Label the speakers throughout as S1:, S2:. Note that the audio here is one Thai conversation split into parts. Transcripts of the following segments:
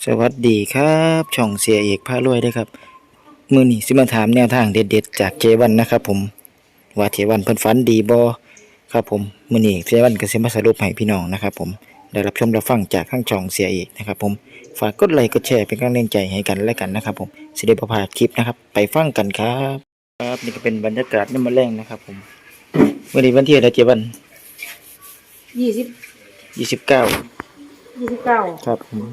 S1: สวัสดีครับช่องเสียเอกพารวยด้วยครับมื้อนี้สิมาถามแนวทางเด็ดๆจากเจวันนะครับผมว่าเจวันเพิ่นฝันดีบ่ครับผมมื้อนี้เจวันก็สิมาสรุปให้พี่น้องนะครับผมได้รับชมรับฟังจากทางช่องเสียเอกนะครับผมฝากกดไลค์กดแชร์เป็นกำลังใจให้กันและกันนะครับผมสิได้บ่พลาดคลิปนะครับไปฟังกันครับครับนี่ก็เป็นบรรยากาศยามมื้อแลงนะครับผมมื้อนี้วันที่อะไรเจวัน
S2: 20
S1: 29
S2: 29
S1: ครับผม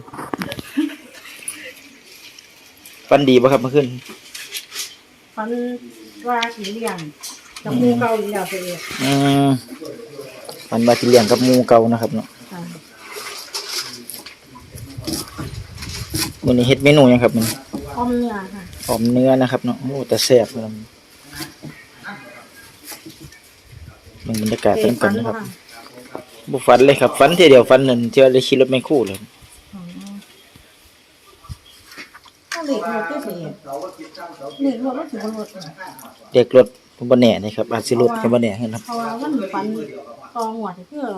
S1: ฝันดีบ่ครับเมื่อคืน
S2: ฝันว่าสิเลี้ยงกับหมู่เก่าอีกแล้วเสียเอก
S1: อืมมันมาที่เลี้ยงกับหมูเก่านะครับเนาะ
S2: ค่ะ
S1: มื้อนี้เฮ็ดเมนูหยังครับมัน
S2: อ้อมเนื้อค่ะ
S1: หอมเนื้อนะครับเนาะโอ้แต่แซ่บครับมันบรรยากาศเต็มกันนะครับบ่ฝันเลยครับฝันทีเดียวฝันนั่นเจอได้ขี่รถแมคโครเลย
S2: ก็เหล็กหมดก็เสียเหล็กหมดก็ถือว่าหมด
S1: เด็กรถบ่แน่นะครับอาจสิรถก็บ่แน่ครับ
S2: เพราะว่ามันฝันตองหัวที่คือ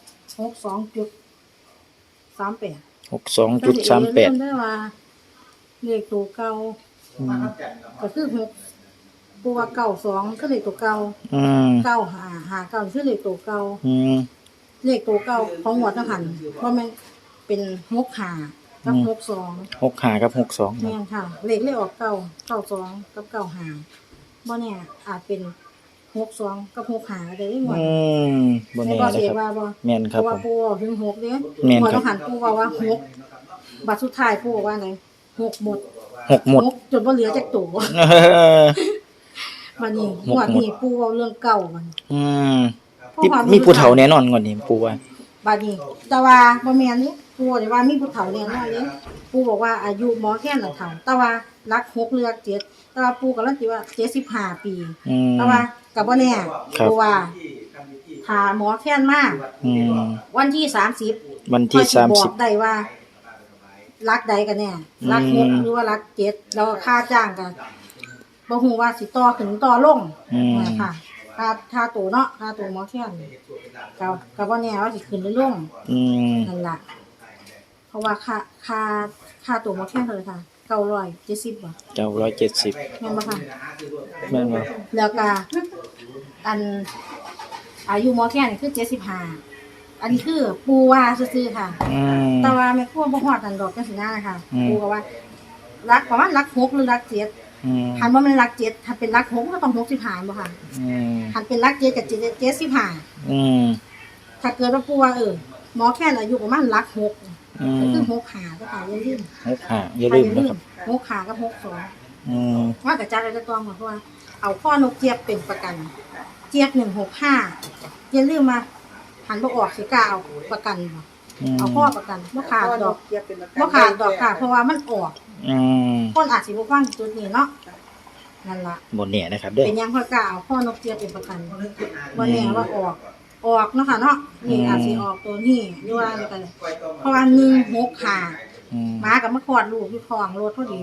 S2: 62.38ได้ว่าเหล็กตัวเก่าก็คือ6ตัวเก่า2ก็เหล็กตัวเก่า9 5 5 9คือเหล็กตัวเก่าเลขตัวเก่าของหัวทหารเพราะมันเป็น65กับ62
S1: 65กับ62
S2: แม่นค่ะเลขออก92กับ95บ่เนี่ยอาจเป็น62กับ65ก็ได้หมด
S1: บ่แน่นะครับแม่นครับผม
S2: ปู่ถึง6เด้หัวทหารปู่ว่า6บัดสุดท้ายปู่ว่าไง6หมด6จนบ่เหลือจักตัววันนี้งวดนี้ปู่เว้าเรื่องเก่ามัน
S1: มีผู้เฒ่าแน่นอนก่อนนี่ปู่ว่า
S2: บัดนี้แต่ว่าบ่แม่นนี่ปู่ได้ว่ามีผู้เฒ่าแน่นอนเด้ปู่บอกว่าอายุหมอแค่นน่ะเฒ่าแต่ว่ารัก6เลือก7แต่ว่าปู่ก็ลังสิว่า75ปีแต่ว่าก็บ่แน่เพราะว่าถ้าหมอแค่นมาวันที่30บอกได้ว่ารักใดกันแน่รัก6หรือว่ารัก7แล้วค่าจ้างก็บ่ฮู้ว่าสิต่อขึ้นต่อลงค่ะค่าตัวเนาะค่าตัวหมอแค่นก็บ่แน่ว่าสิขึ้นหรือลงนั่นล่ะเพราะว่าค่าตัวหมอแค่นเท่าไหร่ค่ะ970บ่
S1: 970
S2: แม่นบ่ค่ะ
S1: แม่นบ่
S2: แล้วก็อันอายุหมอแค่นคือ75อันนี้คือปู่ว่าซื่อๆค่ะแต่ว่าแม่ครัวบ่ฮอดนั่นดอกจังซี่นะคะปู่ก็ว่ารักประมาณรัก6หรือรัก7หันว่ามันรัก7ถ้าเป็นรัก6ก็ต้อง65บ่ค่ะหันเป็นรัก7กับ75ถ้าเกิดว่าปู่ว่าหมอแค่นอายุประมาณรัก6ก็คือ65ก็ค่ะอย่าลืม
S1: 65อย่าลืมนะครับ
S2: 65กับ62ว่าก็จัดไว้ตะตองเพราะว่าเอาข้อนกเจี๊ยบเป็นประกันเจี๊ยบ165อย่าลืมมาหันบ่ออกสิกล้าเอาประกันบ่เอาข้อประกันบ่ขาดดอกค่ะเพราะว่ามันออกคนอาจสิบ่ฟังจุดนี้เนาะนั่นล่ะ
S1: บ่แน่นะครับเด้อ
S2: เป็นยังค่อยกล้าเอาข้อนกเจี๊ยบเป็นประกันบ่แน่ว่าออกเนาะค่ะเนาะนี่อาจสิออกตัวนี้หรือว่ากันเพราะว่า165หมาก็มาคลอดลูกอยู่ท้องรถพอดี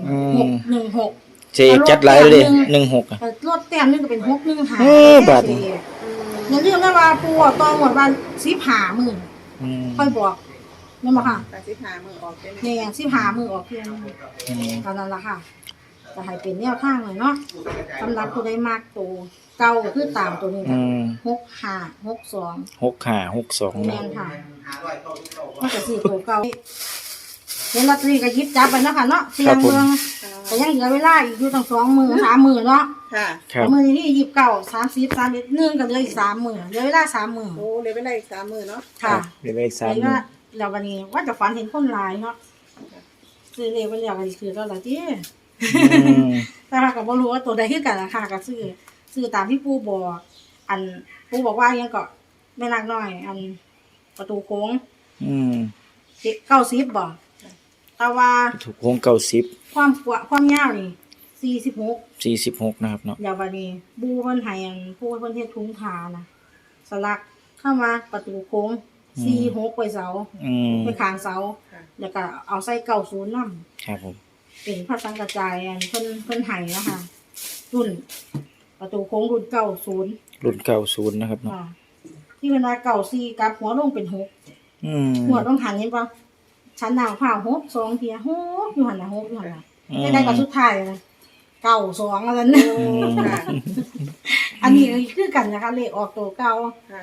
S2: 616
S1: เจ๊จัดหลายเลย16
S2: รถแต้มนึงก็เป็น615
S1: บาท
S2: อย่าลืมนะว่าปู่ตองหมดวัน15มื้อค่อยบอกแม่นบ่ค่ะ
S3: 15มื้อออกเป็น
S2: นี่15มื้อออกเพียงเท่านั้นล่ะค่ะจะให้เป็นแนวทางเลยเนาะสำหรับผู้ใดมักตัวเก่าคือตามตัวนี้
S1: 6562
S2: แม่นค่ะมันก็สิตัวเก่าเห็นลอตเตอรี่ก็หยิบจับไปเนาะค่ะเนาะเสี่ยงเบิ่งแต่ยังเหลือเวลาอีกอยู่ตั้ง2มื้อ3มื้อเนาะ
S3: ค่ะ
S2: มื้อนี้29 30 31นึงก็เหลืออีก3มื้อเหลือเวลา3มื้อ
S3: โอ้เหลือเวลาอีก3มื้อเนาะ
S2: ค่ะ
S1: เหลืออีก3มื้อ
S2: แล้ววันนี้ว่าจะฝันเห็นคนหลายเนาะซื้อเลขไว้แล้วก็สิซื้อแล้วล่ะติแต่ว่าก็บ่รู้ว่าตัวใดคือกันล่ะค่ะก็ซื้อตามที่ปู่บอกอันปู่บอกว่ายังก็แม่นางน้อยอันประตูโค้ง90บ่แต่ว่า
S1: ถูกโค้ง90
S2: ความยาวนี่46
S1: นะครับเนาะ
S2: แล้วบัดนี้บูเพิ่นให้อันปู่เพิ่นเฮ็ดถุงผ้านะสลักเข้ามาประตูโค้ง46ไปเสาไปข้างเสาแล้วก็เอาใส่90นำ
S1: ครับผม
S2: เป็นพระสังฆจายอันเพิ่นให้เนาะค่ะรุ่นประตูโค้งรุ่น
S1: 90นะครับเนาะ
S2: ที่เวลา94กับหัวลงเป็น6หัวต้องหันเห็นป่ะชั้นดาวผ่า6 2เทีย6อยู่หั่นน่ะ6อยู่หั่นน่ะ
S1: อืม
S2: ได้ก็สุดท้ายเลย92แล้วนั่น
S3: ค่ะ
S2: อันนี้คือกันนะคะเลขออกตัวเก่า
S3: ค่ะ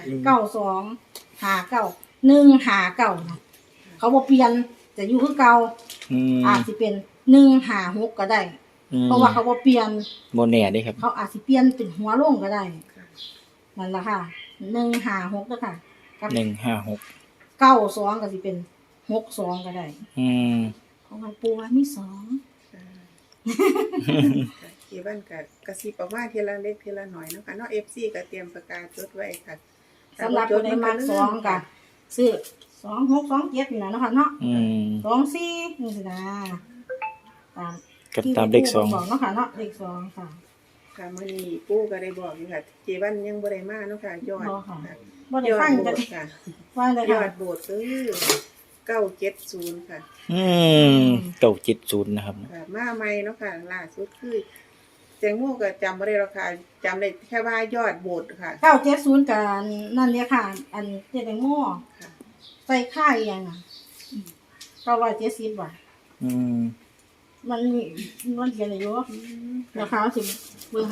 S2: 92 59 159นะเขาบ่เปลี่ยนจะอยู่คือเก่า
S1: อืม
S2: อาจสิเป็น156ก็ได้
S1: อืม
S2: เพราะว่าเขาบ่เปลี่ยน
S1: บ่แน่เด้ครับ
S2: เขาอาจสิเปลี่ยนเป็นหัวลงก็ได้
S3: ค่ะ
S2: นั่นล่ะค่ะ156เด้อค่ะกับ
S1: 156
S2: 92ก็สิเป็น62ก็ได้
S1: อืม
S2: เพราะว่าปูว่ามี2
S3: ค่ะเจวันกับกระซิบออกมาทีละเล็กทีละหน่อยเนาะค่ะเนาะ FC ก็เตรียมปากกาจดไว้ค่ะ
S2: สำหรับผู้ใดมัก2ก็ซื้อ2627นี่ล่ะเนาะค่ะเนาะ
S1: อืม
S2: 24นี่สินะตาม
S1: กับตามเลข
S2: ที่ปู่บอกเนาะค่ะเนาะเลข2ค่ะ
S3: ค่ะมื้อนี้ปู่ก็ได้บอกอยู่ค่ะเจวันยังบ่ได้มาเนาะค่ะยอด
S2: บ่ค่ะ
S3: ค่ะ
S2: บ่ได้
S3: ยอ
S2: ฟั
S3: ด
S2: ง
S3: โบ
S2: จะ
S3: สถ์ค่ะ
S2: ฟังเลย
S3: ยอ
S2: ค่ะ
S3: ดโบสถ์คือ970ค่ะ
S1: อืม970นะครับ
S3: ค่ะมาใหม่เนาะค่ะล่าสุดคือแตงโมก็จำบ่ได้หรอกค่ะจำได้แค่ว่ายอดโบสถ์ค่ะ
S2: 970กับนั่นเนี่ยค่ะ อันเจ๊แตงโม
S3: ค่ะ
S2: ใส่ค่าอีหยังอ่ะ970บาท
S1: อืม
S2: มันเขียนอยู่ราคาสิเบิ่งให้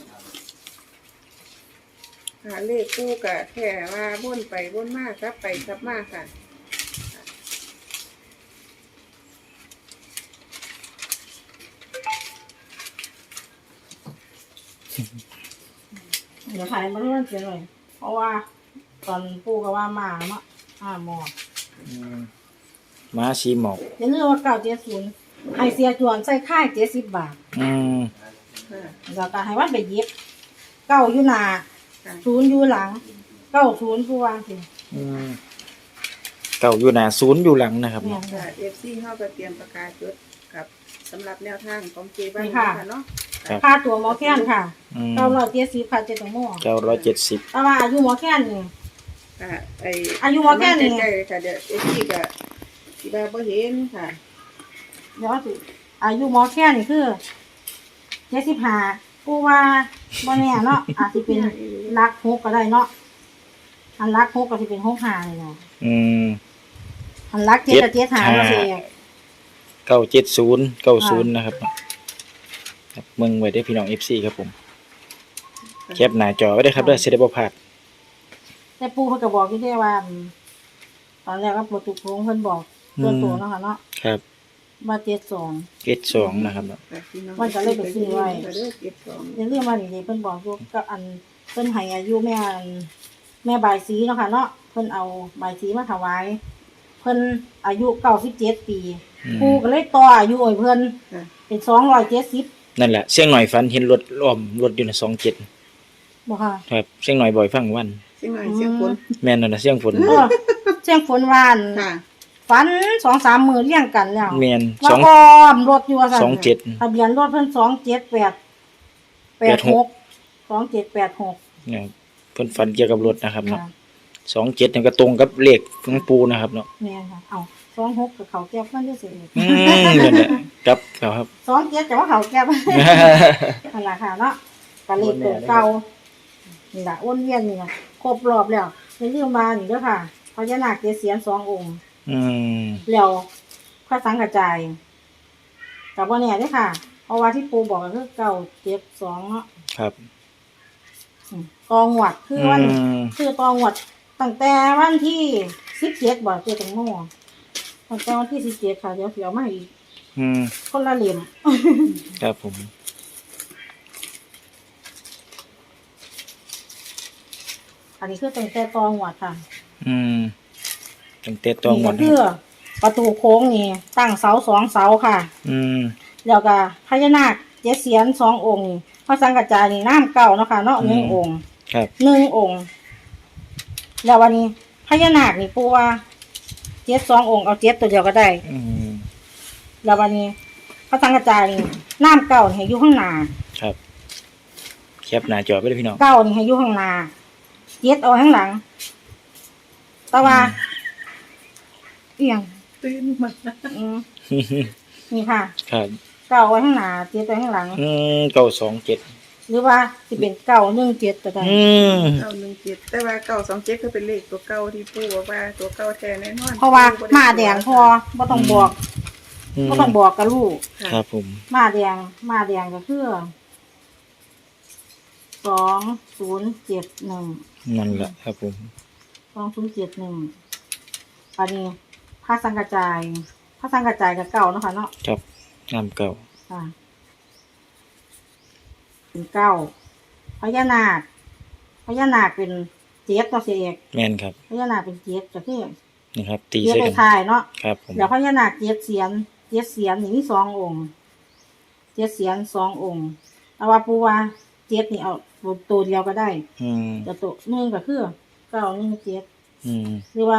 S3: ค่ะเลขกู้ก็แค่ว่าวนไปวนมาครับไปครับมาค่ะ
S2: เดี๋ยวขายมาเรื่องเสียเลยเพราะว่าตอนปู่ก็ว่ามาเนาะหมอ
S1: อืมม้าชีหมอก
S2: อย่าลืมว่า970ให้เสียจวนใส่ค่าย70บาท
S1: อืม
S3: ค่ะ
S2: แล้วก็ให้วันไปเย็บ9อยู่หน้า
S3: ค่ะ
S2: 0อยู่หลัง90ผู้วางสิ
S1: อืมเก่าอยู่หน้าศูนย์อยู่หลังนะครับ
S2: เนี่ย
S3: ค่ะ FC เฮาก็เตรียมประกาศจดกับสำหรับแนวทางของเจบ้าน
S2: นี่ค่ะ
S3: เนาะ
S2: ค่าตัวหมอแค้นค่ะ
S1: อืม
S2: 970ค่ะเจ๊แตงโม
S1: 970
S2: แต่ว่าอายุหมอแค้นนี่
S3: ค่ะ
S2: อายุว่าแค่นี้
S3: ใกล้ๆค่ะเดี๋ยว FC ก็สิว่าบ่เห็นค่ะ
S2: เดี๋ยวสิอายุหมอแค้นนี่คือ75กูว่าบ่แน่เนาะอาจสิเป็นรัก6ก็ได้เนาะอันรัก6ก็สิเป็น65เลยเนาะ
S1: อืม
S2: อันรัก7ก็75บ่สิ
S1: 970 90นะครับครับมึงไว้ได้อพี่น้อง FC ครับผมแคปหน้าจอไว้ได้อครับเด้อสิได้บ่พลาด
S2: แต่ปู่เพิ่นก็บอกอยู่เด้ว่าตอนแรกว่าปู่ตุกงเพิ่นบอกตัวโตเนาะค่ะเนาะ
S1: ครับ
S2: ว่า72
S1: 72นะครับเนาะ
S3: ค่ะพี่น้อง
S2: มันก็เลยไปซื้อไว้
S3: ก็เด้อเก็บของ
S2: อย่าลืมว่านี่เพิ่นบอกอยู่ก็อันเพิ่นให้อายุแม่บายสีเนาะค่ะเนาะเพิ่นเอาบายสีมาถวายเพิ่นอายุ97ปี
S1: อืม
S2: ครูก็เลยต่ออายุให้เพิ่น
S3: ค่ะ
S2: เป็น270
S1: นั่นแหละเสียงหน่อยฝันเห็นรถล้อมรถอยู่น่ะ27
S2: บ่ค่ะ
S1: ครับเสียงหน่อยบ่อยฟังวัน
S3: เสียงหน่อยเสียงฝน
S1: แม่นนั่นน่ะเสียงฝน
S2: เออเสียงฝนหวาน
S3: ค่ะ
S2: ฝัน 2-3 มื้อเรียงกันแล้ว
S1: แม่น
S2: ว่า
S1: 2
S2: อ้อมรถอยู่ว่าซั่น
S1: 27
S2: ทะเบียนรถเพิ่น2786 2786
S1: เนี่ยเพิ่นฝันเกี่ยวกับรถนะครับเนาะ27นี่ก็ตรงกับเลขของปูนะครับเนาะ
S2: แม่นค่ะเอ้า26ก็เขาแก้บมันอยู่สิ
S1: อืมนั่นแหละครับครับ
S2: 27แต่ว่าเขาแก้บ นั่นล่ะค่ะเนาะก็เลขตัวเก่านี่ล่ะวนเวียนนี่ล่ะครบรอบแล้วอย่าลืมมานี่เด้อค่ะพญานาค7เสียน2องค์
S1: อืม
S2: แล้วพระสังกระจายก็บ่แน่เด้อค่ะ เพราะว่าที่ปู่บอกก็คือ972เนาะ
S1: ครับ
S2: ตองหวัดคือวัน
S1: อืม
S2: คือตองหวัดตั้งแต่วันที่17บ่เจอตังโมตั้งแต่วันที่17ค่ะเดี๋ยวสิเอามาให้อีก
S1: อืม
S2: คนละเหลี่ยม
S1: ครับผม
S2: อันนี้คือตั้งแต่ตองหวัดค่ะ
S1: อืมตั้งแต่ตัวหมด
S2: นี่ก็คือประตูโค้งนี่ตั้งเสา2เสาค่ะ
S1: อืม
S2: แล้วก็พญานาค7เสียน2องค์นี่พระสังกระจายนี่น้ำเก่าเนาะค่ะเนาะ1องค์
S1: ครับ
S2: 1องค์แล้ววันนี้พญานาคนี่ปู่ว่า7 2องค์เอา7ตัวเดียวก็ได้
S1: อืม
S2: แล้ววันนี้พระสังกระจายนี่น้ำเก่านี่ให้อยู่ข้างหน้า
S1: ครับแคปหน้าจอไว้เลยพี่น้อง
S2: เก่านี่ให้อยู่ข้างหน้า7เอาข้างหลังแต่ว่าเอียง
S3: ตื่นมา
S2: อืมนี่ค่ะ
S1: ครับ
S2: เก่าไว้ข้างหน้า7ไว้ข้างหลัง
S1: 927
S2: หรือว่าสิเป็น917ก็ได้
S3: 917แต่ว่า927ก็เป็นเลขตัวเก่าที่ปู่บอกว่าตัวเก่าแท้แน่นอน
S2: เพราะว่ามาแดงพอบ่ต้องบอกบ่ต้องบอกกับลูก
S3: ค่ะ
S1: ครับผม
S2: มาแดงก็คือ2071
S1: นั่นแหละครับผม
S2: 2071อันนี้พระสังกระจายกับเก่าเนาะค่ะเนาะ
S1: ครับน้ำเก่า
S2: ค่ะเป็นเก้าพญานาคเป็นเจ็ดตัวเสียเอก
S1: แม่นครับ
S2: พญานาคเป็นเจ็ดก็คือ
S1: นี่ครับ ตี
S2: เจ็ด
S1: ใส่
S2: ใน
S1: กัน
S2: ทายเนาะ
S1: ครับผม
S2: เดี๋ยวพญานาคเจ็ดเสียนนี่มี2 องค์เจ็ดเสียน2 องค์เอาว่าปูว่าเจ็ดนี่เอาตัวเดียวก็ได้
S1: อืม
S2: แต่ตัวหนึ่งก็คือ917
S1: อืม
S2: หรือว่า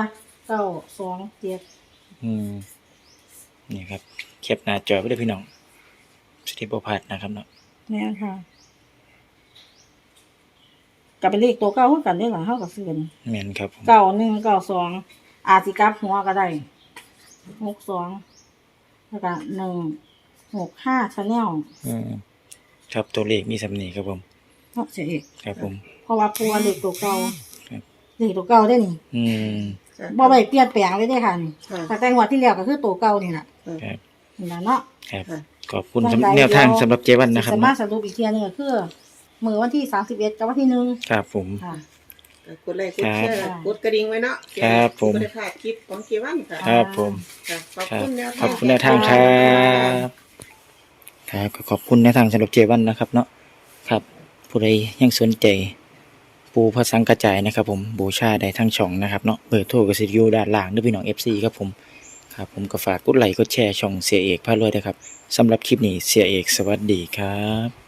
S2: 927
S1: อืมนี่ครับแคปหน้าจอไว้ด้วยพี่น้องสติบ่พลาดนะครับเนาะ
S2: แม่นค่ะก็เป็นเลขตัวเก้าคือกันได้หลังเท่ากับซื้อนี่
S1: แม่นครับผม
S2: 9192อาจสิกลับหัวก็ได้62แล้วก็165 Channel
S1: อืมครับตัวเลขมีสำนีครับผม
S2: เนาะเสียเอก
S1: ครับผม
S2: เพราะว่าปูว่าเลขตัวเก่า
S1: ครับ
S2: เลขตัวเก่าได้นี่
S1: อืม
S2: บ่ไปเปลี่ยนแปลงเลยได้ค่ะนี่
S3: ค่ะ
S2: แต่แต่งวดที่แล้วก็คือตัวเก่านี่ล่ะ
S1: ครับ
S2: นี่ล่ะเนาะ
S1: ครับ
S3: ค่ะ
S1: ขอบคุณสำแนวทางสำหรับเจวันนะครับ
S2: สามาร
S1: เนาะ
S2: ถสรุปอีกเทียหนึงก็คือมื้อวันที่31กับวันที่1
S1: ครับผม
S2: ค่ะ
S3: กดไลค์กดแชร์
S2: ครับ
S3: กดกระดิ่งไว้เนาะ
S1: ครับผม
S3: จะได้พลาดคลิปของเกวันค่ะ
S1: ครับผม
S3: ค่ะขอบ
S1: ครับ
S3: คุณแนว
S1: ข
S3: ทา
S1: อง บคุณแนวทางครับครับก็ขอบคุณแนวทางสำหรับเจวันนะครับเนาะครับ ผู้ใดยังสนใจ ปูพระสังกระจายนะครับผมบูชาได้ทั้งช่องนะครับเนาะเบอร์โทรก็สิอยู่ด้านล่างเด้วยพี่น้อง FC ครับผมครับผมก็ฝากกดไลค์กดแชร์ช่องเสียเอกพารวยด้วยครับสำหรับคลิปนี้เสียเอกสวัสดีครับ